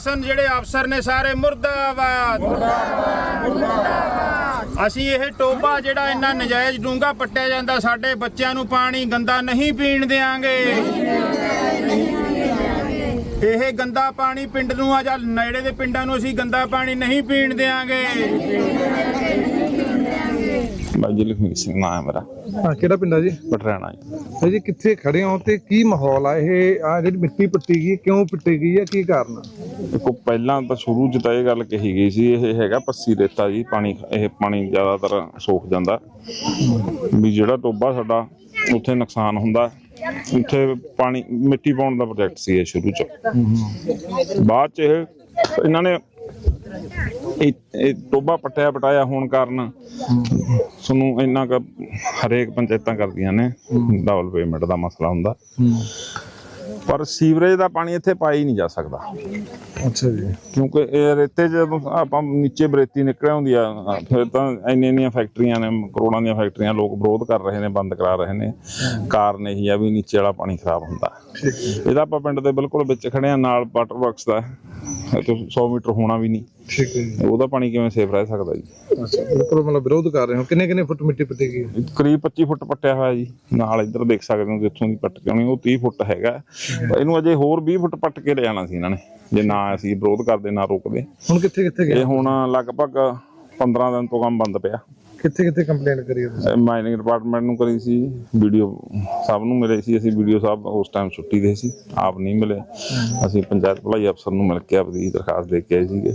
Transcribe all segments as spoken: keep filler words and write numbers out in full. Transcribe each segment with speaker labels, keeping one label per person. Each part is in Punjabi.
Speaker 1: ਪ੍ਰਸ਼ਾਸਨ ਜਿਹੜੇ ਅਫਸਰ ਨੇ ਸਾਰੇ ਮੁਰਦਾਬਾਦ ਮੁਰਦਾਬਾਦ। ਅਸੀਂ ਇਹ ਟੋਬਾ ਜਿਹੜਾ ਇੰਨਾ ਨਜਾਇਜ਼ ਡੂੰਘਾ ਪੱਟਿਆ ਜਾਂਦਾ, ਸਾਡੇ ਬੱਚਿਆਂ ਨੂੰ ਪਾਣੀ ਗੰਦਾ ਨਹੀਂ ਪੀਣ ਦਿਆਂਗੇ। ਇਹ ਗੰਦਾ ਪਾਣੀ ਪਿੰਡ ਨੂੰ ਆ ਜਾਂ ਨੇੜੇ ਦੇ ਪਿੰਡਾਂ ਨੂੰ ਅਸੀਂ ਗੰਦਾ ਪਾਣੀ ਨਹੀਂ ਪੀਣ ਦਿਆਂਗੇ।
Speaker 2: ਬਾਜੀ ਲਖਮੀ ਸਿੰਘ ਨਾਮ ਹੈ ਮੇਰਾ।
Speaker 3: ਹਾਂ, ਕਿਹੜਾ ਪਿੰਡ ਆ ਜੀ?
Speaker 2: ਪਟਰਾਣਾ ਜੀ।
Speaker 3: ਜੀ ਕਿੱਥੇ ਖੜੇ ਹੋ ਤੇ ਕੀ ਮਾਹੌਲ ਆ? ਇਹ ਆ ਜਿਹੜੀ ਮਿੱਟੀ ਪੱਟੀ ਗਈ, ਕਿਉਂ ਪੱਟੀ ਗਈ ਹੈ, ਕੀ ਕਾਰਨ ਆ?
Speaker 2: ਦੇਖੋ, ਪਹਿਲਾਂ ਤਾਂ ਸ਼ੁਰੂ 'ਚ ਤਾਂ ਇਹ ਗੱਲ ਕਹੀ ਗਈ ਸੀ ਇਹ ਹੈਗਾ ਪੱਸੀ ਰੇਤਾ ਜੀ, ਪਾਣੀ ਇਹ ਪਾਣੀ ਜ਼ਿਆਦਾਤਰ ਸੋਖ ਜਾਂਦਾ ਵੀ ਜਿਹੜਾ ਟੋਬਾ ਸਾਡਾ ਉੱਥੇ ਨੁਕਸਾਨ ਹੁੰਦਾ, ਉੱਥੇ ਪਾਣੀ ਮਿੱਟੀ ਪਾਉਣ ਦਾ ਪ੍ਰੋਜੈਕਟ ਸੀ ਇਹ ਸ਼ੁਰੂ 'ਚ। ਬਾਅਦ 'ਚ ਇਹ ਇਹਨਾਂ ਨੇ ਇਹ ਟੋਬਾ ਪੱਟਿਆ ਪਟਾਇਆ ਹੋਣ ਕਾਰਨ ਤੁਹਾਨੂੰ ਇੰਨਾ ਕੁ ਹਰੇਕ ਪੰਚਾਇਤਾਂ ਕਰਦੀਆਂ ਨੇ ਡਬਲ ਪੇਮੈਂਟ ਦਾ ਮਸਲਾ ਹੁੰਦਾ, ਪਰ ਸੀਵਰੇਜ ਦਾ ਪਾਣੀ ਇੱਥੇ ਪਾਇਆ ਹੀ ਨਹੀਂ ਜਾ ਸਕਦਾ।
Speaker 3: ਅੱਛਾ ਜੀ।
Speaker 2: ਕਿਉਂਕਿ ਇਹ ਰੇਤੇ ਜਦੋਂ ਆਪਾਂ ਨੀਚੇ ਬਰੇਤੀ ਨਿਕਲ ਆਉਂਦੀ ਆ, ਫਿਰ ਤਾਂ ਇੰਨੀਆਂ ਇੰਨੀਆਂ ਫੈਕਟਰੀਆਂ ਨੇ, ਕਰੋੜਾਂ ਦੀਆਂ ਫੈਕਟਰੀਆਂ, ਲੋਕ ਵਿਰੋਧ ਕਰ ਰਹੇ ਨੇ, ਬੰਦ ਕਰਾ ਰਹੇ ਨੇ। ਕਾਰਨ ਇਹੀ ਆ ਵੀ ਨੀਚੇ ਵਾਲਾ ਪਾਣੀ ਖਰਾਬ ਹੁੰਦਾ। ਇਹਦਾ ਆਪਾਂ ਪਿੰਡ ਦੇ ਬਿਲਕੁਲ ਵਿੱਚ ਖੜੇ ਆ, ਨਾਲ ਵਾਟਰ ਵਰਕਸ ਦਾ ਸੌ ਮੀਟਰ ਹੋਣਾ ਵੀ ਨਹੀਂ।
Speaker 3: ਠੀਕ ਹੈ ਜੀ।
Speaker 2: ਉਹਦਾ ਪਾਣੀ ਕਿਵੇਂ ਸੇਫ ਰਹਿ ਸਕਦਾ ਜੀ?
Speaker 3: ਅੱਛਾ, ਬਿਲਕੁਲ ਮਤਲਬ ਵਿਰੋਧ ਕਰ ਰਹੇ ਹੋ। ਕਿੰਨੇ ਕਿੰਨੇ ਫੁੱਟ ਮਿੱਟੀ ਪੱਟੀ ਗਈ?
Speaker 2: ਕਰੀਬ ਪੱਚੀ ਫੁੱਟ ਪੱਟਿਆ ਹੋਇਆ ਜੀ। ਨਾਲ ਇੱਧਰ ਦੇਖ ਸਕਦੇ ਹੋ ਜਿੱਥੋਂ ਦੀ ਪੱਟ ਕੇ ਆਉਣੀ ਉਹ ਤੀਹ ਫੁੱਟ ਹੈਗਾ। ਇਹਨੂੰ ਅਜੇ ਹੋਰ ਵੀਹ ਫੁੱਟ ਪੱਟ ਕੇ ਲੈ ਜਾਣਾ ਸੀ ਇਹਨਾਂ ਨੇ, ਜੇ ਨਾ ਅਸੀਂ ਵਿਰੋਧ ਕਰਦੇ ਨਾ ਰੋਕਦੇ।
Speaker 3: ਹੁਣ ਕਿੱਥੇ ਕਿੱਥੇ ਗਏ?
Speaker 2: ਇਹ ਹੁਣ ਲਗਭਗ ਪੰਦਰਾਂ ਦਿਨ ਤੋਂ ਕੰਮ ਬੰਦ ਪਿਆ।
Speaker 3: ਕਿੱਥੇ ਕਿੱਥੇ ਕੰਪਲੇਂਟ ਕਰੀ ਤੁਸੀਂ?
Speaker 2: ਮਾਈਨਿੰਗ ਡਿਪਾਰਟਮੈਂਟ ਨੂੰ ਕਰੀ ਸੀ, ਵੀਡੀਓ ਸਾਹਿਬ ਨੂੰ ਮਿਲੇ ਸੀ ਅਸੀਂ। ਵੀਡੀਓ ਸਾਹਿਬ ਉਸ ਟਾਈਮ ਛੁੱਟੀ ਦੇ ਸੀ, ਆਪ ਨਹੀਂ ਮਿਲੇ। ਅਸੀਂ ਪੰਚਾਇਤ ਭਲਾਈ ਅਫਸਰ ਨੂੰ ਮਿਲ ਕੇ ਆਪਣੀ ਦਰਖਾਸਤ ਦੇ ਕੇ ਆਏ ਸੀਗੇ।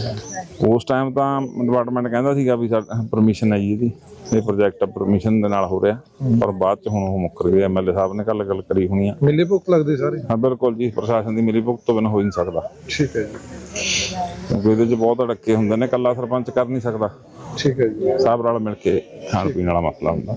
Speaker 2: ਉਸ ਟਾਈਮ ਤਾਂ ਡਿਪਾਰਟਮੈਂਟ ਕਹਿੰਦਾ ਸੀਗਾ ਵੀ ਸਾਡੀ ਪਰਮਿਸ਼ਨ ਹੈ ਜੀ, ਇਹਦੀ ਇਹ ਪ੍ਰੋਜੈਕਟ ਪਰਮਿਸ਼ਨ ਦੇ ਨਾਲ ਹੋ ਰਿਹਾ, ਪਰ ਬਾਅਦ ਚ ਹੁਣ ਉਹ ਮੁੱਕਰ ਗਏ। ਐਮ ਐਲ ਏ ਸਾਹਿਬ ਨੇ ਕੱਲ ਗੱਲ ਕਰੀ ਹੋਣੀ ਆ।
Speaker 3: ਮਿਲੀ ਭੁਗਤ ਲੱਗਦੀ ਸਾਰੇ?
Speaker 2: ਹਾਂ ਬਿਲਕੁਲ ਜੀ, ਪ੍ਰਸ਼ਾਸਨ ਦੀ ਮਿਲੀ ਭੁਗਤ ਤੋਂ ਬਿਨਾਂ ਹੋ ਹੀ ਨਹੀਂ ਸਕਦਾ।
Speaker 3: ਠੀਕ ਹੈ ਜੀ।
Speaker 2: ਕਿਉਂਕਿ ਇਹਦੇ ਚ ਬਹੁਤ ਅੜੱਕੇ ਹੁੰਦੇ ਨੇ, ਇਕੱਲਾ ਸਰਪੰਚ ਕਰ ਨਹੀਂ ਸਕਦਾ।
Speaker 3: ਠੀਕ ਹੈ ਜੀ।
Speaker 2: ਸਾਹਿਬ ਨਾਲ ਮਿਲ ਕੇ ਖਾਣ ਪੀਣ ਵਾਲਾ ਮਸਲਾ ਹੁੰਦਾ।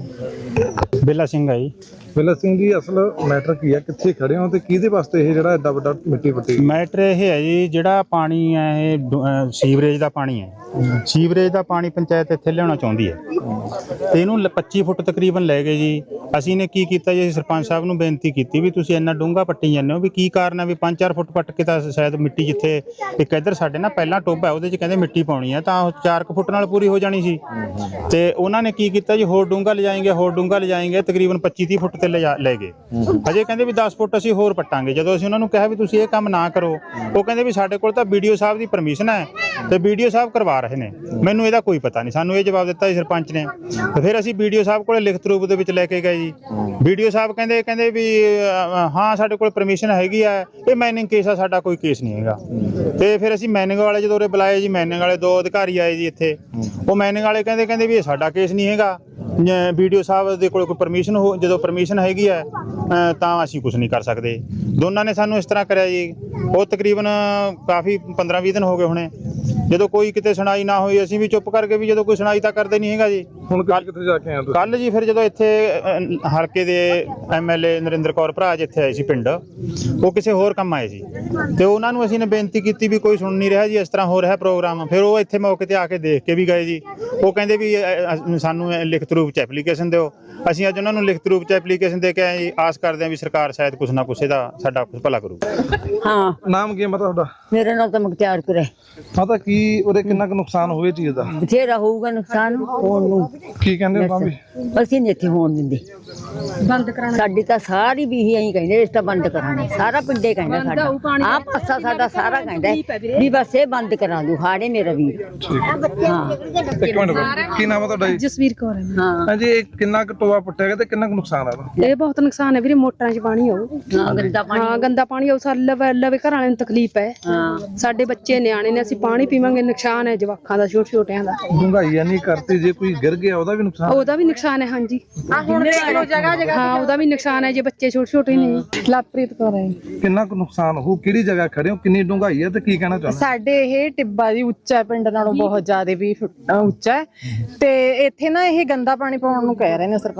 Speaker 4: ਬੇਲਾ ਸਿੰਘ ਆ ਜੀ।
Speaker 3: ਬੇਲਾ ਸਿੰਘ ਜੀ, ਅਸਲ ਮੈਟਰ ਕੀ ਆ? ਕਿੱਥੇ ਖੜੇ ਹੋ ਤੇ ਕਿਹਦੇ ਵਾਸਤੇ ਇਹ ਜਿਹੜਾ ਐਡਾ ਵੱਡਾ ਮਿੱਟੀ ਪੱਟੀ?
Speaker 4: ਮੈਟਰ ਇਹ ਹੈ ਜੀ, ਜਿਹੜਾ ਪਾਣੀ ਹੈ ਇਹ ਡੁ- ਅਹ ਸੀਵਰੇਜ ਦਾ ਪਾਣੀ ਹੈ। ਸੀਵਰੇਜ ਦਾ ਪਾਣੀ ਪੰਚਾਇਤ ਇੱਥੇ ਲਿਆਉਣਾ ਚਾਹੁੰਦੀ ਹੈ ਤੇ ਇਹਨੂੰ ਲ- ਪੱਚੀ ਫੁੱਟ ਤਕਰੀਬਨ ਲੈ ਗਏ ਜੀ। ਅਸੀਂ ਨੇ ਕੀ ਕੀਤਾ ਜੀ, ਅਸੀਂ ਸਰਪੰਚ ਸਾਹਿਬ ਨੂੰ ਬੇਨਤੀ ਕੀਤੀ ਵੀ ਤੁਸੀਂ ਇੰਨਾ ਡੂੰਘਾ ਪੱਟੀ ਜਾਂਦੇ ਹੋ, ਵੀ ਕੀ ਕਾਰਨ ਹੈ? ਵੀ ਪੰਜ ਚਾਰ ਫੁੱਟ ਪੱਟ ਕੇ ਤਾਂ ਸ਼ਾਇਦ ਮਿੱਟੀ, ਜਿੱਥੇ ਇੱਕ ਇੱਧਰ ਸਾਡੇ ਨਾ ਪਹਿਲਾਂ ਟੋਭਾ ਉਹਦੇ 'ਚ ਕਹਿੰਦੇ ਮਿੱਟੀ ਪਾਉਣੀ ਹੈ, ਤਾਂ ਉਹ ਚਾਰ ਕੁ ਫੁੱਟ ਨਾਲ ਪੂਰੀ ਹੋ ਜਾਣੀ ਸੀ। ਤੇ ਉਹਨਾਂ ਨੇ ਕੀ ਕੀਤਾ ਜੀ, ਹੋਰ ਡੂੰਘਾ ਲਿਜਾਏਂਗੇ, ਹੋਰ ਡੂੰਘਾ ਲਿਜਾਏਂਗੇ, ਤਕਰੀਬਨ ਪੱਚੀ ਤੀਹ ਫੁੱਟ ਤੇ ਲਿਜਾ ਲੈ ਗਏ। ਅਜੇ ਕਹਿੰਦੇ ਵੀ ਦਸ ਫੁੱਟ ਅਸੀਂ ਹੋਰ ਪੱਟਾਂਗੇ। ਜਦੋਂ ਅਸੀਂ ਉਹਨਾਂ ਨੂੰ ਕਿਹਾ ਵੀ ਤੁਸੀਂ ਇਹ ਕੰਮ ਨਾ ਕਰੋ, ਉਹ ਕਹਿੰਦੇ ਵੀ ਸਾਡੇ ਕੋਲ ਤਾਂ ਵੀਡੀਓ ਸਾਹਿਬ ਦੀ ਪਰਮਿਸ਼ਨ ਹੈ ਤੇ ਵੀਡੀਓ ਸਾਹਿਬ ਕਰਵਾ ਰਹੇ ਨੇ, ਮੈਨੂੰ ਇਹਦਾ ਕੋਈ ਪਤਾ ਨਹੀਂ। ਸਾਨੂੰ ਇਹ ਜਵਾਬ ਦਿੱਤਾ ਜੀ ਸਰਪੰਚ ਨੇ। ਤੇ ਫਿਰ ਅਸੀਂ ਵੀਡੀਓ ਸਾਹਿਬ ਕੋਲੇ ਲਿਖਤ ਰੂਪ ਦੇ ਵਿੱਚ ਲੈ ਕੇ ਗਏ ਜੀ। ਵੀਡੀਓ ਸਾਹਿਬ ਕਹਿੰਦੇ ਕਹਿੰਦੇ ਵੀ ਅ, ਹਾਂ ਸਾਡੇ ਕੋਲ ਪਰਮਿਸ਼ਨ ਹੈਗੀ ਆ, ਇਹ ਮਾਈਨਿੰਗ ਕੇਸ ਆ, ਸਾਡਾ ਕੋਈ ਕੇਸ ਨਹੀਂ ਹੈਗਾ। ਤੇ ਫਿਰ ਅਸੀਂ ਮਾਈਨਿੰਗ ਵਾਲੇ ਜਦੋਂ ਉਰੇ ਬੁਲਾਏ ਜੀ, ਮਾਈਨਿੰਗ ਵਾਲੇ ਦੋ ਅਧਿਕਾਰੀ ਆਏ ਜੀ ਇੱਥੇ। ਉਹ ਮਾਈਨਿੰਗ ਵਾਲੇ ਕਹਿੰਦੇ ਕਹਿੰਦੇ ਵੀ ਇਹ ਸਾਡਾ ਕੇਸ ਨਹੀਂ ਹੈਗਾ, ਵੀਡੀਓ ਸਾਹਿਬ ਦੇ ਕੋਲ ਕੋਈ ਪਰਮਿਸ਼ਨ ਹੋ, ਜਦੋਂ ਪਰਮਿਸ਼ਨ ਹੈਗੀ ਹੈ ਤਾਂ ਅਸੀਂ ਕੁਝ ਨਹੀਂ ਕਰ ਸਕਦੇ। ਦੋਨਾਂ ਨੇ ਸਾਨੂੰ ਇਸ ਤਰ੍ਹਾਂ ਕਰਿਆ ਜੀ। ਉਹ ਤਕਰੀਬਨ ਕਾਫੀ ਪੰਦਰਾਂ ਵੀਹ ਦਿਨ ਹੋ ਗਏ ਹੋਣੇ। ਜਦੋਂ ਕੋਈ ਕਿਤੇ ਸੁਣਾਈ ਨਾ ਹੋਈ, ਅਸੀਂ ਵੀ ਚੁੱਪ ਕਰਕੇ ਵੀ ਜਦੋਂ ਕੋਈ ਸੁਣਾਈ ਤਾਂ ਕਰਦੇ ਨਹੀਂ ਹੈਗਾ ਜੀ।
Speaker 3: ਹੁਣ ਕੱਲ ਕਿੱਥੇ ਜਾ ਕੇ ਆਏ ਤੁਸੀਂ?
Speaker 4: ਕੱਲ ਜੀ ਫਿਰ ਜਦੋਂ ਇੱਥੇ ਅ, ਹਲਕੇ ਦੇ M L A Narinder Kaur ਭਰਾ ਜਿੱਥੇ ਆਏ ਸੀ ਪਿੰਡ, ਉਹ ਕਿਸੇ ਹੋਰ ਕੰਮ ਆਏ ਸੀ ਤੇ ਉਹਨਾਂ ਨੂੰ ਅਸੀਂ ਨੇ ਬੇਨਤੀ ਕੀਤੀ ਵੀ ਕੋਈ ਸੁਣ ਨਹੀਂ ਰਿਹਾ ਜੀ, ਇਸ ਤਰ੍ਹਾਂ ਹੋ ਰਿਹਾ ਪ੍ਰੋਗਰਾਮ। ਫਿਰ ਉਹ ਇੱਥੇ ਮੌਕੇ ਤੇ ਆ ਕੇ ਦੇਖ ਕੇ ਵੀ ਗਏ ਜੀ। ਉਹ ਕਹਿੰਦੇ ਵੀ ਅ, ਸਾਨੂੰ ਲਿਖਤ ਰੂਪ 'ਚ ਐਪਲੀਕੇਸ਼ਨ ਦਿਓ। ਅਸੀਂ ਅੱਜ ਉਹਨਾਂ ਨੂੰ ਲਿਖਤ ਰੂਪ 'ਚ ਐਪਲੀਕੇਸ਼ਨ ਦੇ ਕੇ ਆਏ ਜੀ। ਆਸ ਕਰਦੇ ਹਾਂ ਵੀ ਸਰਕਾਰ ਸ਼ਾਇਦ ਕੁਛ ਨਾ ਕੁਛ ਇਹਦਾ ਸਾਡਾ ਕੁਛ ਭਲਾ ਕਰੂ।
Speaker 5: ਹਾਂ,
Speaker 3: ਨਾਮ ਕੀ ਹੈ ਮਤਲਬ ਤੁਹਾਡਾ?
Speaker 5: ਮੇਰਾ ਨਾਮ ਤਾਂ ਮੁਖਤਿਆਰ ਕਰੇ।
Speaker 3: ਪਤਾ ਕੀ ਉਹਦੇ ਕਿੰਨਾ ਕੁ ਨੁਕਸਾਨ ਹੋਵੇ ਚੀਜ਼ ਦਾ?
Speaker 5: ਬਥੇਰਾ ਹੋਊਗਾ ਨੁਕਸਾਨ ਹੋਣ ਨੂੰ।
Speaker 3: ਕੀ ਕਹਿੰਦੇ ਹੋ ਭਾਵੇਂ?
Speaker 5: ਅਸੀਂ ਨਹੀਂ ਇੱਥੇ ਹੋਣ ਦਿੰਦੇ, ਬੰਦ ਕਰਾਣਾ। ਸਾਡੀ ਤਾਂ ਸਾਰੀ ਵੀ ਇਹੀ ਕਹਿੰਦੇ ਇਸ ਤਾਂ ਬੰਦ ਕਰਾਣਾ, ਸਾਰਾ ਪਿੰਡੇ ਕਹਿੰਦਾ ਸਾਡਾ, ਆਹ ਪਾਸਾ ਸਾਡਾ ਸਾਰਾ ਕਹਿੰਦਾ ਵੀ ਬਸ ਇਹ ਬੰਦ ਕਰਾ ਦੂ। ਹਾੜੇ ਮੇਰਾ ਵੀਰ। ਹਾਂ,
Speaker 3: ਇੱਕ ਮਿੰਟ ਕੀ ਨਾਮ ਹੈ ਤੁਹਾਡਾ ਜੀ?
Speaker 6: ਜਸਵੀਰ ਕੌਰ ਹੈ।
Speaker 5: ਹਾਂ
Speaker 3: ਹਾਂਜੀ, ਇਹ ਕਿੰਨਾ ਕੁ ਟੋਆ ਪੱਟਿਆ ਗਿਆ ਤੇ ਕਿੰਨਾ ਕੁ ਨੁਕਸਾਨ ਆ ਇਹਦਾ?
Speaker 6: ਇਹ ਬਹੁਤ ਨੁਕਸਾਨ ਹੈ ਵੀਰੇ, ਮੋਟਰਾਂ 'ਚ ਪਾਣੀ ਆਉ।
Speaker 5: ਹਾਂ, ਗੰਦਾ ਪਾਣੀ।
Speaker 6: ਹਾਂ, ਗੰਦਾ ਪਾਣੀ ਆਉ। ਸਾਡੇ ਲਵੇ ਲਵੇ ਘਰ ਵਾਲਿਆਂ ਨੂੰ ਤਕਲੀਫ ਹੈ।
Speaker 5: ਹਾਂ,
Speaker 6: ਸਾਡੇ ਬੱਚੇ ਨਿਆਣੇ ਨੇ, ਅਸੀਂ ਪਾਣੀ ਪੀਵਾਂਗੇ, ਨੁਕਸਾਨ ਹੈ ਜਵਾਕਾਂ ਦਾ, ਛੋਟੇ ਛੋਟਿਆਂ ਦਾ।
Speaker 3: ਡੂੰਘਾਈ ਨਹੀਂ ਕਰਤੀ, ਜੇ ਕੋਈ ਗਿਰ ਗਿਆ ਉਹਦਾ ਵੀ ਨੁਕਸਾਨ?
Speaker 6: ਉਹਦਾ ਵੀ ਨੁਕਸਾਨ ਹੈ। ਹਾਂਜੀ, ਹਾਂ, ਉਹਦਾ ਵੀ ਨੁਕਸਾਨ ਹੈ ਜੇ ਬੱਚੇ ਛੋਟੇ ਛੋਟੇ ਨੇ। ਲਵਪ੍ਰੀਤ ਕੌਰ ਹੈ।
Speaker 3: ਕਿੰਨਾ ਕੁ ਨੁਕਸਾਨ ਹੋ? ਕਿਹੜੀ ਜਗ੍ਹਾ ਖੜੇ ਹੋ? ਕਿੰਨੀ ਡੂੰਘਾਈ ਹੈ ਤੇ ਕੀ ਕਹਿਣਾ ਚਾਹੁੰਦੇ?
Speaker 7: ਸਾਡੇ ਇਹ ਟਿੱਬਾ ਜੀ ਉੱਚਾ ਹੈ, ਪਿੰਡ ਨਾਲੋਂ ਬਹੁਤ ਜ਼ਿਆਦਾ ਵੀ ਉੱਚਾ ਹੈ ਤੇ ਇੱਥੇ ਨਾ ਇਹ ਗੰਦਾ ਪਾਣੀ ਪਾਉਣ ਨੂੰ ਕਹਿ ਰਹੇ ਨੇ ਸਰਪੰਚ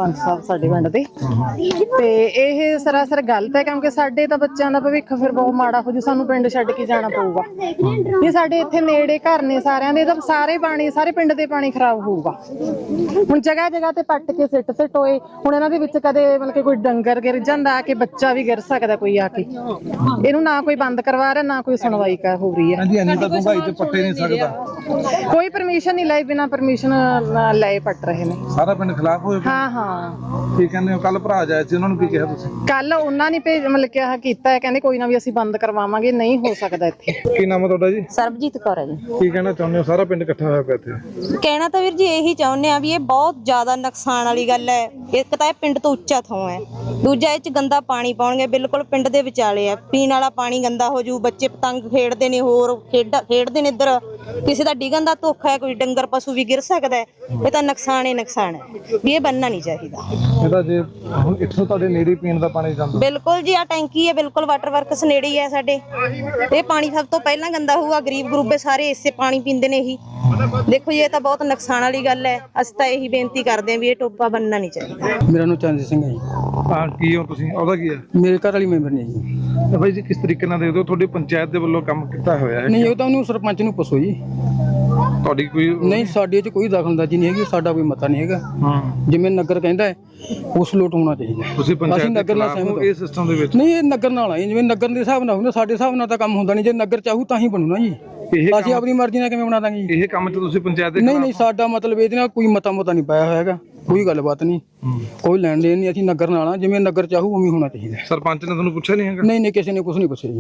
Speaker 7: ਸਰਪੰਚ ਸਾਹਿਬ ਸਾਡੇ ਪਿੰਡ ਦੇ ਤੇ ਇਹ ਸਰਾਸਰ ਗਲਤ ਹੈ ਕਿਉਂਕਿ ਸਾਡੇ ਤਾਂ ਬੱਚਿਆਂ ਦਾ ਭਵਿੱਖ ਫਿਰ ਬਹੁਤ ਮਾੜਾ ਹੋ ਜੂ, ਸਾਨੂੰ ਪਿੰਡ ਛੱਡ ਕੇ ਜਾਣਾ ਪਊਗਾ। ਇਹ ਸਾਡੇ ਇੱਥੇ ਨੇੜੇ ਘਰ ਨੇ ਸਾਰਿਆਂ ਦੇ, ਤਾਂ ਸਾਰੇ ਪਾਣੀ ਸਾਰੇ ਪਿੰਡ ਦੇ ਪਾਣੀ ਖਰਾਬ ਹੋਊਗਾ। ਹੁਣ ਜਗ੍ਹਾ ਜਗ੍ਹਾ ਤੇ ਪੱਟ ਕੇ ਸਿੱਟ ਸਿੱਟ ਹੋਏ, ਹੁਣ ਇਹਨਾਂ ਦੇ ਵਿੱਚ ਕਦੇ ਮਤਲਬ ਕਿ ਕੋਈ ਡੰਗਰ ਗਿਰ ਜਾਂਦਾ ਕਿ ਬੱਚਾ ਵੀ ਗਿਰ ਸਕਦਾ ਕੋਈ ਆ ਕੇ, ਇਹਨੂੰ ਨਾ ਕੋਈ ਬੰਦ ਕਰਵਾ ਰਿਹਾ ਨਾ ਕੋਈ ਸੁਣਵਾਈ ਕਰ ਹੋ ਰਹੀ ਹੈ।
Speaker 3: ਹਾਂਜੀ ਇੰਨੀ ਤਾਂ ਡੂੰਘਾਈ ਤੇ ਪੱਟੇ ਨਹੀਂ ਸਕਦਾ,
Speaker 7: ਕੋਈ ਪਰਮਿਸ਼ਨ ਨਹੀਂ ਲਈ, ਬਿਨਾਂ ਪਰਮਿਸ਼ਨ ਲਏ ਪੱਟ ਰਹੇ ਨੇ।
Speaker 3: ਸਾਰਾ ਪਿੰਡ ਖਿਲਾਫ ਹੋਏ ਪਏ।
Speaker 7: ਹਾਂ ਹਾਂ
Speaker 3: ਕੀ ਕਹਿੰਦੇ ਹੋ? ਕੱਲ ਭਰਾ ਜਾਏ ਸੀ, ਉਹਨਾਂ ਨੂੰ ਕੀ ਕਿਹਾ ਤੁਸੀਂ?
Speaker 7: ਕੱਲ ਉਹਨਾਂ ਨੇ ਭੇਜ ਮਤਲਬ ਕਿ ਆਹ ਕੀਤਾ ਹੈ, ਕਹਿੰਦੇ ਕੋਈ ਨਾ ਵੀ ਅਸੀਂ ਬੰਦ ਕਰਵਾਵਾਂਗੇ, ਨਹੀਂ ਹੋ ਸਕਦਾ ਇੱਥੇ।
Speaker 3: ਕੀ ਨਾਮ ਹੈ ਤੁਹਾਡਾ ਜੀ?
Speaker 8: ਸਰਬਜੀਤ ਕੌਰ ਹੈ ਜੀ।
Speaker 3: ਕੀ ਕਹਿਣਾ ਚਾਹੁੰਦੇ ਹੋ? ਸਾਰਾ ਪਿੰਡ ਇਕੱਠਾ ਹੋਇਆ ਪਿਆ ਇੱਥੇ।
Speaker 8: ਕਹਿਣਾ ਤਾਂ ਵੀਰ ਜੀ ਇਹੀ ਚਾਹੁੰਦੇ ਆ ਵੀ ਇਹ ਬਹੁਤ ਜ਼ਿਆਦਾ ਨੁਕਸਾਨ ਵਾਲੀ ਗੱਲ ਹੈ। ਇੱਕ ਤਾਂ ਇਹ ਪਿੰਡ ਤੋਂ ਉੱਚਾ ਥਾਂ ਹੈ, ਦੂਜਾ ਇਹ ਚ ਗੰਦਾ ਪਾਣੀ ਪਾਉਣਗੇ, ਬਿਲਕੁਲ ਪਿੰਡ ਦੇ ਵਿਚਾਲੇ ਆ, ਪੀਣ ਵਾਲਾ ਪਾਣੀ ਗੰਦਾ ਹੋ ਜੂ, ਬੱਚੇ ਪਤੰਗ ਖੇਡਦੇ ਨੇ, ਹੋਰ ਖੇਡ ਖੇਡਦੇ ਨੇ, ਇੱਧਰ ਕਿਸੇ ਦਾ ਡਿੱਗਣ ਦਾ ਧੋਖਾ ਹੈ, ਕੋਈ ਡੰਗਰ ਪਸ਼ੂ ਵੀ ਗਿਰ ਸਕਦਾ ਹੈ। ਇਹ ਤਾਂ ਨੁਕਸਾਨ ਹੀ ਨੁਕਸਾਨ ਹੈ ਵੀ ਇਹ ਬੰਨਣਾ ਨਹੀਂ ਚਾਹੀਦਾ।
Speaker 3: ਇਹਦਾ ਜੇ ਹੁਣ ਇੱਥੋਂ ਤੁਹਾਡੇ ਨੇੜੇ ਪੀਣ ਦਾ ਪਾਣੀ ਜਾਂਦਾ?
Speaker 8: ਬਿਲਕੁਲ ਜੀ, ਆ ਟੈਂਕੀ ਹੈ, ਬਿਲਕੁਲ ਵਾਟਰ ਵਰਕਸ ਨੇੜੇ ਹੀ ਹੈ ਸਾਡੇ। ਇਹ ਪਾਣੀ ਸਭ ਤੋਂ ਪਹਿਲਾਂ ਗੰਦਾ ਹੋਊਗਾ, ਗਰੀਬ ਗਰੂਬੇ ਸਾਰੇ ਇਸੇ ਪਾਣੀ ਪੀਂਦੇ ਨੇ। ਇਹੀ ਦੇਖੋ ਜੀ, ਇਹ ਤਾਂ ਬਹੁਤ ਨੁਕਸਾਨ ਵਾਲੀ ਗੱਲ ਹੈ। ਅਸੀਂ ਤਾਂ ਇਹੀ ਬੇਨਤੀ ਕਰਦੇ ਹਾਂ ਵੀ ਇਹ ਟੋਪਾ ਬੰਨਣਾ ਨਹੀਂ ਚਾਹੀਦਾ।
Speaker 9: ਮੇਰਾ ਨਾਮ ਚੰਦ ਸਿੰਘ ਹੈ ਜੀ।
Speaker 3: ਹਾਂ ਕੀ ਹੋ ਤੁਸੀਂ? ਉਹਦਾ ਕੀ ਹੈ?
Speaker 9: ਮੇਰੇ ਘਰ ਵਾਲੀ ਮੈਂਬਰ ਨੇ ਜੀ।
Speaker 3: ਤੇ ਬਾਈ ਜੀ ਕਿਸ ਤਰੀਕੇ ਨਾਲ ਦੇਖਦੇ ਹੋ? ਤੁਹਾਡੀ ਪੰਚਾਇਤ ਦੇ ਵੱਲੋਂ ਕੰਮ ਕੀਤਾ ਹੋਇਆ ਹੈ?
Speaker 9: ਨਹੀਂ, ਉਹ ਤਾਂ ਉਹਨੂੰ ਸਰਪੰਚ ਨੂੰ ਪੁੱਛੋ ਜੀ।
Speaker 3: ਤੁਹਾਡੀ ਕੋਈ?
Speaker 9: ਨਹੀਂ, ਸਾਡੇ 'ਚ ਕੋਈ ਦਖਲਅੰਦਾਜ਼ੀ ਨਹੀਂ ਹੈਗੀ, ਸਾਡਾ ਕੋਈ ਮਤਾ ਨਹੀਂ ਹੈਗਾ।
Speaker 3: ਹਾਂ,
Speaker 9: ਜਿਵੇਂ ਨਗਰ ਕਹਿੰਦਾ ਹੈ ਉਸ ਲੋਟ ਹੋਣਾ ਚਾਹੀਦਾ।
Speaker 3: ਤੁਸੀਂ ਪੰਚਾਇਤ
Speaker 9: ਅਸੀਂ
Speaker 3: ਦੇ
Speaker 9: ਨਗਰ ਨਾਲ
Speaker 3: ਖਿਲਾਫ ਹੋ
Speaker 9: ਸਹਿਮਤ
Speaker 3: ਇਹ ਸਿਸਟਮ ਦੇ ਵਿੱਚ?
Speaker 9: ਨਹੀਂ, ਇਹ ਨਗਰ ਨਾਲ ਆਏ, ਜਿਵੇਂ ਨਗਰ ਦੇ ਹਿਸਾਬ ਨਾਲ ਹੁੰਦਾ, ਸਾਡੇ ਹਿਸਾਬ ਨਾਲ ਤਾਂ ਕੰਮ ਹੁੰਦਾ ਨਹੀਂ। ਜੇ ਨਗਰ ਚਾਹੂ ਤਾਂ ਹੀ ਬਣੂ ਨਾ ਜੀ,
Speaker 3: ਇਹ
Speaker 9: ਅਸੀਂ ਆਪਣੀ ਮਰਜ਼ੀ ਨਾਲ ਕਿਵੇਂ ਬਣਾ ਦਾਂਗੇ ਜੀ?
Speaker 3: ਇਹ ਕੰਮ 'ਚ ਤੁਸੀਂ ਪੰਚਾਇਤ ਦੇ
Speaker 9: ਨਹੀਂ ਨਹੀਂ, ਸਾਡਾ ਮਤਲਬ ਇਹਦੇ ਨਾਲ ਕੋਈ ਮਤਾ ਮਤਾ ਨਹੀਂ ਪਾਇਆ ਹੋਇਆ ਹੈਗਾ, ਕੋਈ ਗੱਲਬਾਤ ਨਹੀਂ, ਕੋਈ ਲੈਣ ਦੇਣ ਨਹੀਂ। ਅਸੀਂ ਨਗਰ ਨਾਲ ਆ, ਜਿਵੇਂ ਨਗਰ ਚਾਹੂ ਉਵੇਂ ਹੋਣਾ ਚਾਹੀਦਾ।
Speaker 3: ਸਰਪੰਚ ਨੇ ਤੁਹਾਨੂੰ ਪੁੱਛਿਆ ਨਹੀਂ ਹੈਗਾ?
Speaker 9: ਨਹੀਂ ਨਹੀਂ, ਕਿਸੇ ਨੇ ਕੁਝ ਨਹੀਂ ਪੁੱਛਿਆ ਜੀ।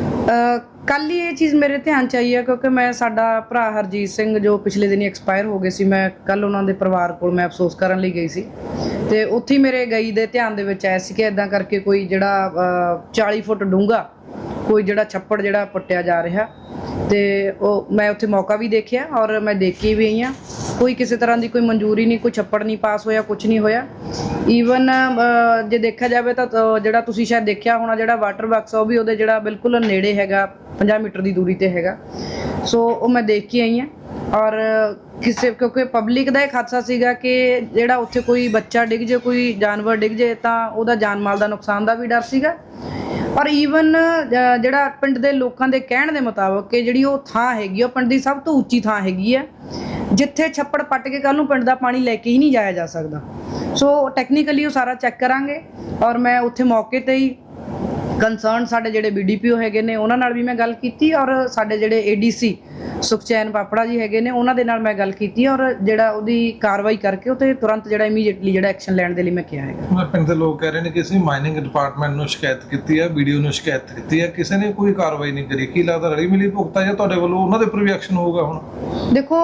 Speaker 10: ਕੱਲ ਹੀ ਇਹ ਚੀਜ਼ ਮੇਰੇ ਧਿਆਨ ਚ ਆਈ ਹੈ ਕਿਉਂਕਿ ਮੈਂ ਸਾਡਾ ਭਰਾ ਹਰਜੀਤ ਸਿੰਘ ਜੋ ਪਿਛਲੇ ਦਿਨੀ ਐਕਸਪਾਇਰ ਹੋ ਗਏ ਸੀ, ਮੈਂ ਕੱਲ ਉਹਨਾਂ ਦੇ ਪਰਿਵਾਰ ਕੋਲ ਮੈਂ ਅਫਸੋਸ ਕਰਨ ਲਈ ਗਈ ਸੀ ਤੇ ਉੱਥੇ ਮੇਰੇ ਗਈ ਦੇ ਧਿਆਨ ਦੇ ਵਿੱਚ ਆਇਆ ਸੀ ਕਿ ਇਦਾਂ ਕਰਕੇ ਕੋਈ ਜਿਹੜਾ ਚਾਲੀ ਫੁੱਟ ਡੂੰਘਾ ਕੋਈ ਜਿਹੜਾ ਛੱਪੜ ਜਿਹੜਾ ਪੱਟਿਆ ਜਾ ਰਿਹਾ ਤੇ ਉਹ ਮੈਂ ਉੱਥੇ ਮੌਕਾ ਵੀ ਦੇਖਿਆ ਔਰ ਮੈਂ ਦੇਖ ਕੇ ਵੀ ਆਈ ਹਾਂ। ਕੋਈ ਕਿਸੇ ਤਰ੍ਹਾਂ ਦੀ ਕੋਈ ਮਨਜ਼ੂਰੀ ਨਹੀਂ, ਕੋਈ ਛੱਪੜ ਨਹੀਂ ਪਾਸ ਹੋਇਆ, ਕੁਝ ਨਹੀਂ ਹੋਇਆ। ਈਵਨ ਜੇ ਦੇਖਿਆ ਜਾਵੇ ਤਾਂ ਜਿਹੜਾ ਤੁਸੀਂ ਸ਼ਾਇਦ ਦੇਖਿਆ ਹੋਣਾ ਜਿਹੜਾ ਵਾਟਰ ਬਾਕਸ ਉਹ ਵੀ ਉਹਦੇ ਜਿਹੜਾ ਬਿਲਕੁਲ ਨੇੜੇ ਹੈਗਾ, ਪੰਜਾਹ ਮੀਟਰ ਦੀ ਦੂਰੀ ਤੇ ਹੈਗਾ। ਸੋ ਉਹ ਮੈਂ ਦੇਖ ਕੇ ਆਈ ਹਾਂ ਔਰ ਕਿਸੇ ਕਿਉਂਕਿ ਪਬਲਿਕ ਦਾ ਇੱਕ ਹਾਦਸਾ ਸੀਗਾ ਕਿ ਜਿਹੜਾ ਉੱਥੇ ਕੋਈ ਬੱਚਾ ਡਿੱਗ ਜੇ, ਕੋਈ ਜਾਨਵਰ ਡਿੱਗ ਜੇ ਤਾਂ ਉਹਦਾ ਜਾਨ ਮਾਲ ਦਾ ਨੁਕਸਾਨ ਦਾ ਵੀ ਡਰ ਸੀਗਾ। ਔਰ ਈਵਨ ਜਿਹੜਾ ਪਿੰਡ ਦੇ ਲੋਕਾਂ ਦੇ ਕਹਿਣ ਦੇ ਮੁਤਾਬਕ ਕਿ ਜਿਹੜੀ ਉਹ ਥਾਂ ਹੈਗੀ ਉਹ ਪਿੰਡ ਦੀ ਸਭ ਤੋਂ ਉੱਚੀ ਥਾਂ ਹੈਗੀ ਹੈ ਜਿੱਥੇ ਛੱਪੜ ਪੱਟ ਕੇ ਕੱਲ ਨੂੰ ਪਿੰਡ ਦਾ ਪਾਣੀ ਲੈ ਕੇ ਹੀ ਨਹੀਂ ਜਾਇਆ ਜਾ ਸਕਦਾ। ਸੋ ਟੈਕਨੀਕਲੀ ਉਹ ਸਾਰਾ ਚੈੱਕ ਕਰਾਂਗੇ ਔਰ ਮੈਂ ਉੱਥੇ ਮੌਕੇ ਤੇ ਹੀ ਕੰਸਰਨ ਸਾਡੇ ਜਿਹੜੇ ਬੀਡੀਪੀਓ ਹੈਗੇ ਨੇ ਉਹਨਾਂ ਨਾਲ ਵੀ ਮੈਂ ਗੱਲ ਕੀਤੀ ਔਰ ਸਾਡੇ ਜਿਹੜੇ ਏਡੀਸੀ ਸੁਖਚੈਨ ਪਾਪੜਾ ਜੀ ਹੈਗੇ ਨੇ ਉਹਨਾਂ ਦੇ ਨਾਲ ਮੈਂ ਗੱਲ ਕੀਤੀ ਔਰ ਜਿਹੜਾ ਉਹਦੀ ਕਾਰਵਾਈ ਕਰਕੇ ਉਹ ਤੇ ਤੁਰੰਤ ਜਿਹੜਾ ਇਮੀਡੀਏਟਲੀ ਜਿਹੜਾ ਐਕਸ਼ਨ ਲੈਣ ਦੇ ਲਈ ਮੈਂ ਕਿਹਾ ਹੈਗਾ।
Speaker 3: ਪਿੰਡ ਦੇ ਲੋਕ ਕਹਿ ਰਹੇ ਨੇ ਕਿ ਅਸੀਂ ਮਾਈਨਿੰਗ ਡਿਪਾਰਟਮੈਂਟ ਨੂੰ ਸ਼ਿਕਾਇਤ ਕੀਤੀ ਹੈ, ਵੀਡੀਓ ਨੂੰ ਸ਼ਿਕਾਇਤ ਕੀਤੀ ਹੈ, ਕਿਸੇ ਨੇ ਕੋਈ ਕਾਰਵਾਈ ਨਹੀਂ ਕਰੀ। ਕੀ ਲੱਗਦਾ ਰਲੀ ਮਿਲੀ ਭੁਗਤਾ ਜਾਂ ਤੁਹਾਡੇ ਵੱਲੋਂ ਉਹਨਾਂ ਦੇ ਉੱਪਰ ਵੀ ਐਕਸ਼ਨ ਹੋਊਗਾ? ਹੁਣ
Speaker 10: ਦੇਖੋ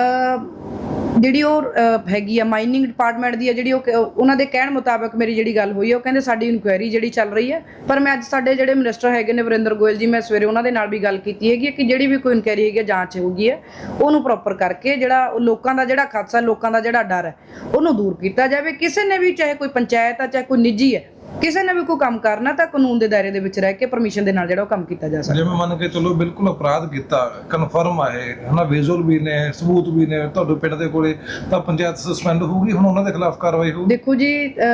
Speaker 10: ਜਿਹੜੀ ਉਹ ਹੈਗੀ ਆ ਮਾਈਨਿੰਗ ਡਿਪਾਰਟਮੈਂਟ ਦੀ ਆ ਜਿਹੜੀ ਉਹ ਉਹਨਾਂ ਦੇ ਕਹਿਣ ਮੁਤਾਬਕ ਮੇਰੀ ਜਿਹੜੀ ਗੱਲ ਹੋਈ ਹੈ ਉਹ ਕਹਿੰਦੇ ਸਾਡੀ ਇਨਕੁਆਇਰੀ ਜਿਹੜੀ ਚੱਲ ਰਹੀ ਹੈ। ਪਰ ਮੈਂ ਅੱਜ ਸਾਡੇ ਜਿਹੜੇ ਮਿਨਿਸਟਰ ਹੈਗੇ ਨੇ ਵਰਿੰਦਰ ਗੋਇਲ ਜੀ, ਮੈਂ ਸਵੇਰੇ ਉਹਨਾਂ ਦੇ ਨਾਲ ਵੀ ਗੱਲ ਕੀਤੀ ਹੈਗੀ ਕਿ ਜਿਹੜੀ ਵੀ ਕੋਈ ਇਨਕੁਆਇਰੀ ਹੈਗੀ ਜਾਂਚ ਹੋਊਗੀ ਹੈ ਉਹਨੂੰ ਪ੍ਰੋਪਰ ਕਰਕੇ ਜਿਹੜਾ ਲੋਕਾਂ ਦਾ ਜਿਹੜਾ ਖਾਦਸਾ, ਲੋਕਾਂ ਦਾ ਜਿਹੜਾ ਡਰ ਹੈ ਉਹਨੂੰ ਦੂਰ ਕੀਤਾ ਜਾਵੇ। ਕਿਸੇ ਨੇ ਵੀ ਚਾਹੇ ਕੋਈ ਪੰਚਾਇਤ ਆ ਚਾਹੇ ਕੋਈ ਨਿੱਜੀ ਹੈ, ਕਿਸੇ ਨੇ ਵੀ ਕੋਈ ਕੰਮ ਕਰਨਾ ਤਾਂ ਕਾਨੂੰਨ ਦੇ ਦਾਇਰੇ ਦੇ ਵਿੱਚ ਰਹਿ ਕੇ ਪਰਮਿਸ਼ਨ ਦੇ ਨਾਲ ਜਿਹੜਾ ਉਹ ਕੰਮ ਕੀਤਾ ਜਾ ਸਕਦਾ।
Speaker 3: ਜਿਵੇਂ ਮੰਨ ਕੇ ਚਲੋ ਬਿਲਕੁਲ ਅਪਰਾਧ ਕੀਤਾ, ਕਨਫਰਮ ਆ ਇਹ ਹਨਾ, ਵਿਜ਼ੂਅਲ ਵੀ ਨੇ, ਸਬੂਤ ਵੀ ਨੇ ਤੁਹਾਡੇ ਪਿੰਡ ਦੇ ਕੋਲੇ, ਤਾਂ ਪੰਚਾਇਤ ਸਸਪੈਂਡ ਹੋਊਗੀ, ਹੁਣ ਉਹਨਾਂ ਦੇ ਖਿਲਾਫ ਕਾਰਵਾਈ ਹੋਊਗੀ?
Speaker 10: ਦੇਖੋ ਜੀ,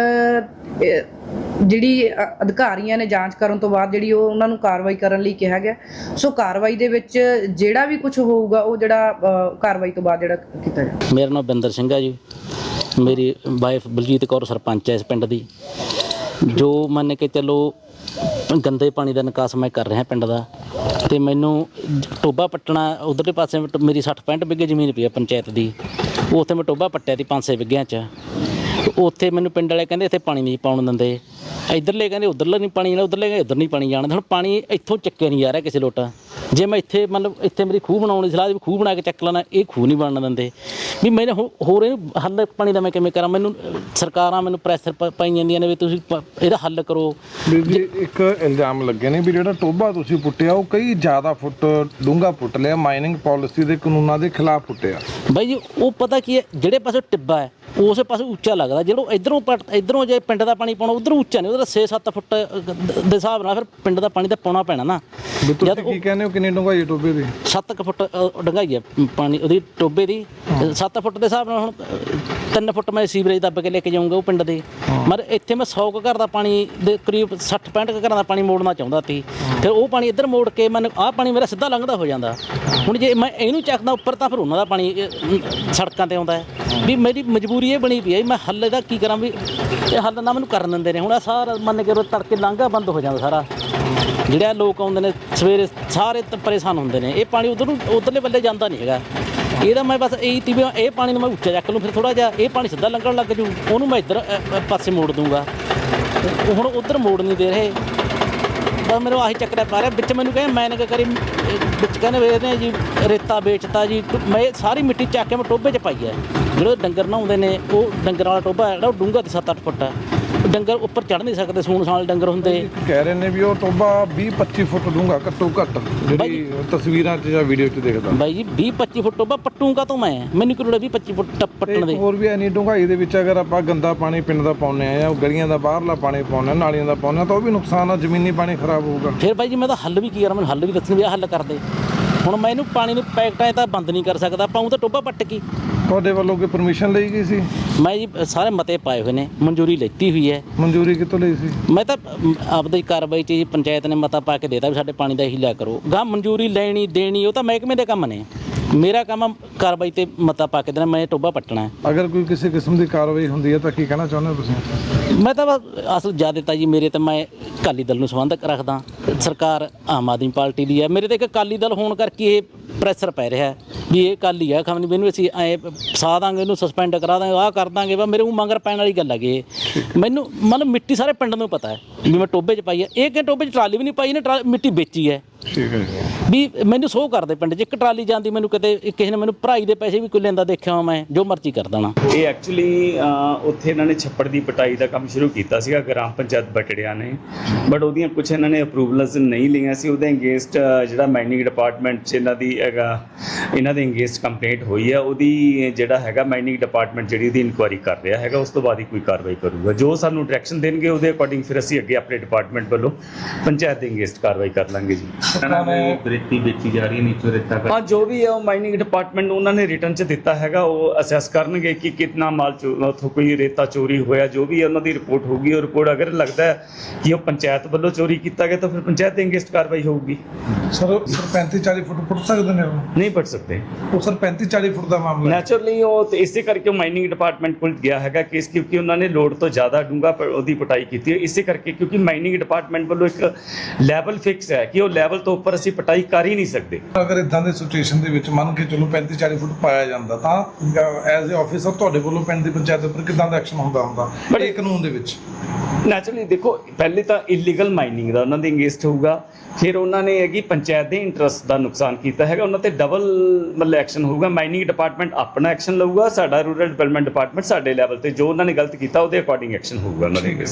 Speaker 10: ਜਿਹੜੀ ਅਧਿਕਾਰੀਆਂ ਨੇ ਜਾਂਚ ਕਰਨ ਤੋਂ ਬਾਅਦ ਜਿਹੜੀ ਉਹ ਉਹਨਾਂ ਨੂੰ ਕਾਰਵਾਈ ਕਰਨ ਲਈ ਕਿਹਾ ਗਿਆ। ਸੋ ਕਾਰਵਾਈ ਦੇ ਵਿੱਚ ਜਿਹੜਾ ਵੀ ਕੁਝ ਹੋਊਗਾ ਉਹ ਜਿਹੜਾ ਕਾਰਵਾਈ ਤੋਂ ਬਾਅਦ ਜਿਹੜਾ ਕੀਤਾ ਜਾਵੇ।
Speaker 11: ਮੇਰਾ ਨਾਮ ਬਿੰਦਰ ਸਿੰਘ ਹੈ ਜੀ, ਮੇਰੀ ਵਾਈਫ ਬਲਜੀਤ ਕੌਰ ਸਰਪੰਚ ਹੈ ਇਸ ਪਿੰਡ ਦੀ। ਜੋ ਮੰਨ ਕੇ ਚੱਲੋ ਗੰਦੇ ਪਾਣੀ ਦਾ ਨਿਕਾਸ ਮੈਂ ਕਰ ਰਿਹਾ ਪਿੰਡ ਦਾ, ਅਤੇ ਮੈਨੂੰ ਟੋਬਾ ਪੱਟਣਾ ਉਧਰਲੇ ਪਾਸੇ ਮੇਰੀ ਸੱਠ ਪੈਂਹਠ ਵਿਗੇ ਜ਼ਮੀਨ ਪਈ ਆ ਪੰਚਾਇਤ ਦੀ, ਉੱਥੇ ਮੈਂ ਟੋਬਾ ਪੱਟਿਆ ਸੀ ਪੰਜ ਛੇ ਵਿਗਿਆਂ 'ਚ। ਉੱਥੇ ਮੈਨੂੰ ਪਿੰਡ ਵਾਲੇ ਕਹਿੰਦੇ ਇੱਥੇ ਪਾਣੀ ਨਹੀਂ ਪਾਉਣ ਦਿੰਦੇ, ਇੱਧਰਲੇ ਕਹਿੰਦੇ ਉੱਧਰਲਾ ਨਹੀਂ ਪਾਣੀ ਜਾਣਾ, ਉੱਧਰਲੇ ਕਹਿੰਦੇ ਉੱਧਰ ਨਹੀਂ ਪਾਣੀ ਜਾਣਾ। ਹੁਣ ਪਾਣੀ ਇੱਥੋਂ ਚੱਕਿਆ ਨਹੀਂ ਜਾ ਰਿਹਾ ਕਿਸੇ ਲੋਟਾ। ਜੇ ਮੈਂ ਇੱਥੇ ਮਤਲਬ ਇੱਥੇ ਮੇਰੀ ਖੂਹ ਬਣਾਉਣ ਦੀ ਸਲਾਹ ਵੀ ਖੂਹ ਬਣਾ ਕੇ ਚੱਕ ਲੈਣਾ, ਇਹ ਖੂਹ ਨਹੀਂ ਬਣਨ ਦਿੰਦੇ ਵੀ ਮੈਨੇ ਹੋਰ ਇਹਨੂੰ ਹੱਲ ਪਾਣੀ ਦਾ ਮੈਂ ਕਿਵੇਂ ਕਰਾਂ। ਮੈਨੂੰ ਸਰਕਾਰਾਂ ਮੈਨੂੰ ਪ੍ਰੈਸ਼ਰ ਪਾਈ ਜਾਂਦੀਆਂ ਨੇ ਵੀ ਤੁਸੀਂ ਇਹਦਾ ਹੱਲ ਕਰੋ।
Speaker 3: ਜੀ ਇੱਕ ਇਲਜ਼ਾਮ ਲੱਗੇ ਨੇ ਵੀ ਜਿਹੜਾ ਟੋਬਾ ਤੁਸੀਂ ਪੁੱਟਿਆ ਉਹ ਕਈ ਜ਼ਿਆਦਾ ਫੁੱਟ ਡੂੰਘਾ ਪੁੱਟ ਲਿਆ, ਮਾਈਨਿੰਗ ਪਾਲਿਸੀ ਦੇ ਕਾਨੂੰਨਾਂ ਦੇ ਖਿਲਾਫ ਪੁੱਟਿਆ।
Speaker 11: ਬਾਈ ਜੀ ਉਹ ਪਤਾ ਕੀ ਹੈ, ਜਿਹੜੇ ਪਾਸੇ ਟਿੱਬਾ ਹੈ ਉਸੇ ਪਾਸੇ ਉੱਚਾ ਲੱਗਦਾ, ਜਿਹੜਾ ਇੱਧਰੋਂ ਪੱਟ ਇੱਧਰੋਂ ਜੇ ਪਿੰਡ ਦਾ ਪਾਣੀ ਪਾਉਣਾ ਉੱਧਰੋਂ ਉੱਚਾ ਨਹੀਂ, ਉਹਦਾ ਛੇ ਸੱਤ ਫੁੱਟ ਦੇ ਹਿਸਾਬ ਨਾਲ ਫਿਰ ਪਿੰਡ ਦਾ ਪਾਣੀ ਤਾਂ ਪਾਉਣਾ ਪੈਣਾ ਨਾ।
Speaker 3: ਤੁਸੀਂ ਕੀ ਕਹਿੰਦੇ ਹੋ ਕਿੰਨੀ ਡੂੰਘਾਈ ਹੈ ਟੋਬੇ ਦੀ?
Speaker 11: ਸੱਤ ਕੁ ਫੁੱਟ ਅ, ਡੂੰਘਾਈ ਹੈ ਪਾਣੀ ਉਹਦੀ ਟੋਬੇ ਦੀ। ਸੱਤ ਫੁੱਟ ਦੇ ਹਿਸਾਬ ਨਾਲ ਹੁਣ ਅ, ਤਿੰਨ ਫੁੱਟ ਮੈਂ ਸੀਵਰੇਜ ਦੱਬ ਕੇ ਲੈ ਕੇ ਜਾਊਂਗਾ ਉਹ ਪਿੰਡ ਦੇ। ਮਰ ਇੱਥੇ ਮੈਂ ਸੌ ਕੁ ਘਰ ਦਾ ਪਾਣੀ ਦੇ ਕਰੀਬ ਸੱਠ ਪੈਂਹਠ ਕੁ ਘਰਾਂ ਦਾ ਪਾਣੀ ਮੋੜਨਾ ਚਾਹੁੰਦਾ ਸੀ। ਫਿਰ ਉਹ ਪਾਣੀ ਇੱਧਰ ਮੋੜ ਕੇ ਮੈਨੂੰ ਆਹ ਪਾਣੀ ਮੇਰਾ ਸਿੱਧਾ ਲੰਘਦਾ ਹੋ ਜਾਂਦਾ। ਹੁਣ ਜੇ ਮੈਂ ਇਹਨੂੰ ਚੱਕਦਾ ਉੱਪਰ ਤਾਂ ਫਿਰ ਉਹਨਾਂ ਦਾ ਪਾਣੀ ਅ, ਸੜਕਾਂ ਤੇ ਆਉਂਦਾ ਹੈ। ਵੀ ਮੇਰੀ ਮਜਬੂਰੀ ਇਹ ਬਣੀ ਪਈ ਹੈ ਮੈਂ ਹੱਲ ਇਹਦਾ ਕੀ ਕਰਾਂ ਵੀ ਇਹ ਹੱਲ ਨਾ ਮੈਨੂੰ ਕਰਨ ਦਿੰਦੇ ਨੇ। ਹੁਣ ਆਹ ਸਾਰਾ ਮੰਨ ਕੇ ਤੜਕੇ ਲੰਘਾ ਬੰਦ ਹੋ ਜਾਂਦਾ ਸਾਰਾ। ਜਿਹੜੇ ਲੋਕ ਆਉਂਦੇ ਨੇ ਸਵੇਰੇ ਸਾਰੇ ਤ- ਪਰੇਸ਼ਾਨ ਹੁੰਦੇ ਨੇ। ਇਹ ਪਾਣੀ ਉਧਰ ਨੂੰ ਉਧਰਲੇ ਬੱਲੇ ਜਾਂਦਾ ਨਹੀਂ ਹੈਗਾ। ਇਹਦਾ ਮੈਂ ਬਸ ਇਹੀ ਤੀ ਵੀ ਇਹ ਪਾਣੀ ਨੂੰ ਮੈਂ ਉੱਚਾ ਚੱਕ ਲੂੰ ਫਿਰ ਥੋੜਾ ਜਿਹਾ ਇਹ ਪਾਣੀ ਸਿੱਧਾ ਲੰਘਣ ਲੱਗ ਜੂ ਉਹਨੂੰ ਮੈਂ ਇੱਧਰ ਅ, ਅ, ਪਾਸੇ ਮੋੜ ਦੂੰਗਾ। ਉਹ ਹੁਣ ਉਧਰ ਮੋੜ ਨਹੀਂ ਦੇ ਰਹੇ ਬਸ ਮੈਨੂੰ ਆਹੀ ਚੱਕਰ ਪਾ ਰਿਹਾ। ਵਿੱਚ ਮੈਨੂੰ ਕਹਿੰਦੇ ਮੈਂ ਨਾ ਕਰੀ ਵਿੱਚ ਕਹਿੰਦੇ ਵੇਚਦੇ ਜੀ ਰੇਤਾ ਵੇਚਤਾ ਜੀ। ਮੈਂ ਇਹ ਸਾਰੀ ਮਿੱਟੀ ਚੱਕ ਕੇ ਮੈਂ ਟੋਭੇ 'ਚ ਪਾਈ ਹੈ। ਜਿਹੜੇ ਡੰਗਰ ਨਹਾਉਂਦੇ ਨੇ ਉਹ ਡੰਗਰ ਵਾਲਾ ਟੋਭਾ ਜਿਹੜਾ ਉਹ ਡੂੰਘਾ ਤੇ ਸੱਤ ਅੱਠ ਫੁੱਟ ਹੈ। ਡੰਗਰ ਉੱਪਰ ਚੜ੍ਹ ਨਹੀਂ ਸਕਦੇ ਸੂਣ ਸਾਲ ਡੰਗਰ ਹੁੰਦੇ।
Speaker 3: ਕਹਿ ਰਹੇ ਨੇ ਵੀ ਉਹ ਟੋਬਾ ਵੀਹ ਪੱਚੀ ਫੁੱਟ ਡੂੰਘਾ ਘੱਟੋ ਘੱਟ ਜਿਹੜੀ ਤਸਵੀਰਾਂ 'ਚ ਜਾਂ ਵੀਡੀਓ 'ਚ ਦੇਖਦਾ।
Speaker 11: ਬਾਈ ਜੀ ਵੀਹ ਪੱਚੀ ਫੁੱਟ ਟੋਭਾ ਪੱਟੂਗਾ ਤੋਂ ਮੈਂ ਮੈਨੂੰ ਕਿਹੜਾ ਵੀਹ ਪੱਚੀ ਫੁੱਟ ਟੱਪ- ਪੱਟਣ ਦੇ।
Speaker 3: ਹੋਰ ਵੀ ਐਨੀ ਡੂੰਘਾਈ ਦੇ ਵਿੱਚ ਅਗਰ ਆਪਾਂ ਗੰਦਾ ਪਾਣੀ ਪਿੰਡ ਦਾ ਪਾਉਂਦੇ ਆ ਜਾਂ ਗਲੀਆਂ ਦਾ ਬਾਹਰਲਾ ਪਾਣੀ ਪਾਉਂਦੇ ਆ ਨਾਲੀਆਂ ਦਾ ਪਾਉਂਦੇ ਆ ਤਾਂ ਉਹ ਵੀ ਨੁਕਸਾਨ ਆ, ਜ਼ਮੀਨੀ ਪਾਣੀ ਖਰਾਬ ਹੋਊਗਾ।
Speaker 11: ਫਿਰ ਬਾਈ ਜੀ ਮੈਂ ਤਾਂ ਹੱਲ ਵੀ ਕੀ ਕਰਾਂ ਮੈਨੂੰ ਹੱਲ ਵੀ ਦੱਸਣ ਵੀ ਆਹ ਹੱਲ ਕਰਦੇ। ਹੁਣ ਮੈਂ ਇਹਨੂੰ ਪਾਣੀ ਨੂੰ ਪੈਕਟਾਂ 'ਚ ਤਾਂ ਬੰਦ ਨਹੀਂ ਕਰ ਸਕਦਾ ਪਾਉਂ ਤਾਂ ਟੋਭਾ ਪੱਟ ਕੀ।
Speaker 3: ਤੁਹਾਡੇ ਵੱਲੋਂ ਕੋਈ ਪਰਮਿਸ਼ਨ ਲਈ ਗਈ ਸੀ?
Speaker 11: ਮੈਂ ਜੀ ਸਾਰੇ ਮਤੇ ਪਾਏ ਹੋਏ ਨੇ ਮਨਜ਼ੂਰੀ ਲੈਤੀ ਹੋਈ ਹੈ।
Speaker 3: ਮਨਜ਼ੂਰੀ ਕਿੱਥੋਂ ਲਈ ਸੀ?
Speaker 11: ਮੈਂ ਤਾਂ ਅਮ, ਆਪਦੀ ਕਾਰਵਾਈ 'ਚ ਜੀ ਪੰਚਾਇਤ ਨੇ ਮਤਾ ਪਾ ਕੇ ਦੇਤਾ ਵੀ ਸਾਡੇ ਪਾਣੀ ਦਾ ਇਹੀ ਲਿਆ ਕਰੋ। ਗਾਂ ਮਨਜ਼ੂਰੀ ਲੈਣੀ ਦੇਣੀ ਉਹ ਤਾਂ ਮਹਿਕਮੇ ਦੇ ਕੰਮ ਨੇ। ਮੇਰਾ ਕੰਮ ਆ ਕਾਰਵਾਈ ਤੇ ਮਤਾ ਪਾ ਕੇ ਦੇਣਾ ਮੈਂ ਟੋਭਾ ਪੱਟਣਾ ਹੈ।
Speaker 3: ਅਗਰ ਕੋਈ ਕਿਸੇ ਕਿਸਮ ਦੀ ਕਾਰਵਾਈ ਹੁੰਦੀ ਹੈ ਤਾਂ ਕੀ ਕਹਿਣਾ ਚਾਹੁੰਦੇ ਹੋ ਤੁਸੀਂ?
Speaker 11: ਮੈਂ ਤਾਂ ਬਸ ਅਸਲ ਜ਼ਿਆਦਾਤਰ ਜੀ ਮੇਰੇ ਤਾਂ ਮੈਂ ਅਕਾਲੀ ਦਲ ਨੂੰ ਸੰਬੰਧਕ ਰੱਖਦਾ। ਸਰਕਾਰ ਆਮ ਆਦਮੀ ਪਾਰਟੀ ਦੀ ਹੈ। ਮੇਰੇ ਤੇ ਇੱਕ ਅਕਾਲੀ ਦਲ ਹੋਣ ਕਰਕੇ ਇਹ ਪ੍ਰੈਸ਼ਰ ਪੈ ਰਿਹਾ ਹੈ ਵੀ ਇਹ ਅਕਾਲੀ ਹੈ ਖਮ ਨਹੀਂ ਮੈਨੂੰ ਅਸੀਂ ਐ ਫਸਾ ਦਾਂਗੇ ਇਹਨੂੰ ਸਸਪੈਂਡ ਕਰਾ ਦਾਂਗੇ ਆਹ ਕਰ ਦਾਂਗੇ। ਵਾ ਮੇਰੇ ਉਹ ਮੰਗਰ ਪੈਣ ਵਾਲੀ ਗੱਲ ਹੈਗੀ ਇਹ। ਮੈਨੂੰ ਮਤਲਬ ਮਿੱਟੀ ਸਾਰੇ ਪਿੰਡ ਨੂੰ ਪਤਾ ਹੈ ਵੀ ਮੈਂ ਟੋਭੇ 'ਚ ਪਾਈ ਹੈ। ਇਹ ਕਿ ਟੋਭੇ 'ਚ ਟਰਾਲੀ ਵੀ ਨਹੀਂ ਪਾਈ ਇਹਨੇ ਟਰਾ ਮਿੱਟੀ ਵੇਚੀ ਹੈ।
Speaker 3: ਠੀਕ ਹੈ ਜੀ।
Speaker 11: ਵੀ ਮੈਨੂੰ ਸੋਹ ਕਰਦੇ ਪਿੰਡ 'ਚ ਇੱਕ ਟਰਾਲੀ ਜਾਂਦੀ ਮੈਨੂੰ ਕਿਤੇ ਕਿਸੇ ਨੇ ਮੈਨੂੰ ਭਰਾਈ ਦੇ ਪੈਸੇ ਵੀ ਕੋਈ ਲੈਂਦਾ ਦੇਖਿਆ ਮੈਂ ਜੋ ਮਰਜ਼ੀ ਕਰ ਦੇਣਾ।
Speaker 12: ਇਹ ਐਕਚੁਅਲੀ ਉੱਥੇ ਇਹਨਾਂ ਨੇ ਛੱਪੜ ਦੀ ਪਟਾਈ ਦਾ ਕੰਮ ਸ਼ੁਰੂ ਕੀਤਾ ਸੀਗਾ ਗ੍ਰਾਮ ਪੰਚਾਇਤ ਬਟੜਿਆ ਨੇ ਬਟ ਉਹਦੀਆਂ ਕੁਝ ਇਹਨਾਂ ਨੇ ਅਪਰੂਵਲਸ ਨਹੀਂ ਲਈਆਂ ਸੀ। ਉਹਦੇ ਅਗੇਂਸਟ ਜਿਹੜਾ ਮਾਈਨਿੰਗ ਡਿਪਾਰਟਮੈਂਟ 'ਚ ਇਹਨਾਂ ਦੀ ਹੈਗਾ ਇਹਨਾਂ ਦੇ ਅਗੇਂਸਟ ਕੰਪਲੇਂਟ ਹੋਈ ਹੈ। ਉਹਦੀ ਜਿਹੜਾ ਹੈਗਾ ਮਾਈਨਿੰਗ ਡਿਪਾਰਟਮੈਂਟ ਜਿਹੜੀ ਉਹਦੀ ਇਨਕੁਆਇਰੀ ਕਰ ਰਿਹਾ ਹੈਗਾ। ਉਸ ਤੋਂ ਬਾਅਦ ਹੀ ਕੋਈ ਕਾਰਵਾਈ ਕਰੂਗਾ। ਜੋ ਸਾਨੂੰ ਡਾਇਰੈਕਸ਼ਨ ਦੇਣਗੇ ਉਹਦੇ ਅਕੋਰਡਿੰਗ ਫਿਰ ਅਸੀਂ ਅੱਗੇ ਆਪਣੇ ਡਿਪਾਰਟਮੈਂਟ ਵੱਲੋਂ ਪੰਚਾਇਤ ਦੇ ਅਗੇਂਸਟ ਕਾਰਵਾਈ ਕਰ ਲਾਂਗੇ ਜੀ।
Speaker 2: ਰੇਤੀ ਵੇਚੀ ਜਾ ਰਹੀ ਹੈ ਨੀਚੋਂ ਰੇਤਾ
Speaker 12: ਹਾਂ ਜੋ ਵੀ ਹੈ ਉਹ ਮਾਈਨਿੰਗ ਡਿਪਾਰਟਮੈਂਟ ਨੂੰ ਉਹਨਾਂ ਨੇ ਰਿਟਰਨ 'ਚ ਦਿੱਤਾ ਹੈਗਾ। ਉਹ ਅਸੈਸ ਕਰਨਗੇ ਕਿ ਕਿੰਨਾ ਮਾਲ ਉੱਥੋਂ ਕੋਈ ਰੇਤਾ ਚੋਰੀ ਹੋਇਆ। ਜੋ ਵੀ ਹੈ ਉਹਨਾਂ ਦੀ ਰਿਪੋਰਟ ਹੋਊਗੀ। ਉਹ ਰਿਪੋਰਟ ਅਗਰ ਲੱਗਦਾ ਹੈ ਕਿ ਉਹ ਪੰਚਾਇਤ ਵੱਲੋਂ ਚੋਰੀ ਕੀਤਾ ਗਿਆ ਤਾਂ ਫਿਰ ਪੰਚਾਇਤ ਦੇ ਅਗੇਂਸਟ ਕਾਰਵਾਈ ਹੋਊਗੀ।
Speaker 3: ਸਰ ਸਰ ਪੈਂਤੀ ਚਾਲੀ ਫੁੱਟ ਪੁੱਟ ਸਕਦੇ ਨੇ ਉਹ?
Speaker 12: ਨਹੀਂ ਪੜ ਸਕਦੇ
Speaker 3: ਉਹ ਸਰ ਪੈਂਤੀ ਚਾਲੀ ਫੁੱਟ ਦਾ ਮਾਮਲਾ ਹੈ।
Speaker 12: ਨੈਚੁਰਲੀ ਉਹ ਤੇ ਇਸੇ ਕਰਕੇ ਉਹ ਮਾਈਨਿੰਗ ਡਿਪਾਰਟਮੈਂਟ ਕੋਲ ਗਿਆ ਹੈਗਾ ਕੇਸ ਕਿਉਂਕਿ ਉਹਨਾਂ ਨੇ ਲੋਡ ਤੋਂ ਜ਼ਿਆਦਾ ਡੂੰਘਾ ਪ- ਉਹਦੀ ਪਟਾਈ ਕੀਤੀ ਹੈ। ਇਸੇ ਕਰਕੇ ਕਿਉਂਕਿ ਮਾਈਨਿੰਗ ਡਿਪਾਰਟਮੈਂਟ ਵੱਲੋਂ ਇੱਕ ਲੈਵਲ ਫਿਕਸ ਹੈ ਕਿ ਉਹ ਲੈਵਲ ਤੋਂ ਉੱਪਰ ਅਸੀਂ ਪਟਾਈ ਕਰ ਹੀ ਨਹੀਂ ਸਕਦੇ।
Speaker 3: ਅਗਰ ਇਦਾਂ ਦੇ ਸਿਚੁਏਸ਼ਨ ਦੇ ਵਿੱਚ ਮੰਨ ਕੇ ਚਲੋ ਪੈਂਤੀ ਚਾਲੀ ਫੁੱਟ ਪਾਇਆ ਜਾਂਦਾ ਤਾਂ ਐਜ਼ ਅ ਆਫੀਸਰ ਤੁਹਾਡੇ ਵੱਲੋਂ ਪਿੰਡ ਦੀ ਪੰਚਾਇਤ ਉੱਪਰ ਕਿੱਦਾਂ ਦਾ ਐਕਸ਼ਨ ਹੁੰਦਾ ਹੁੰਦਾ ਇਹ ਕਾਨੂੰਨ ਦੇ ਵਿੱਚ?
Speaker 12: ਨੈਚੁਰਲੀ ਦੇਖੋ ਪਹਿਲੇ ਤਾਂ ਇਲੀਗਲ ਮਾਈਨਿੰਗ ਦਾ ਉਹਨਾਂ ਦੇ ਅਗੇਂਸਟ ਹੋਊਗਾ। ਫਿਰ ਉਹਨਾਂ ਨੇ ਹੈਗੀ ਪੰਚਾਇਤ ਦੇ ਇੰਟਰਸਟ ਦਾ ਨੁਕਸਾਨ ਕੀਤਾ ਹੈਗਾ ਉਹਨਾਂ ਤੇ ਡਬਲ ਮਤਲਬ ਐਕਸ਼ਨ ਹੋਊਗਾ। ਮਾਈਨਿੰਗ ਡਿਪਾਰਟਮੈਂਟ ਆਪਣਾ ਐਕਸ਼ਨ ਲਊਗਾ। ਸਾਡਾ ਰੂਰਲ ਡਿਵੈਲਪਮੈਂਟ ਡਿਪਾਰਟਮੈਂਟ ਸਾਡੇ ਲੈਵਲ ਤੇ ਜੋ ਉਹਨਾਂ ਨੇ ਗਲਤ ਕੀਤਾ ਉਹਦੇ ਅਕੋਰਡਿੰਗ ਐਕਸ਼ਨ ਹੋਊਗਾ ਉਹਨਾਂ ਦੇ।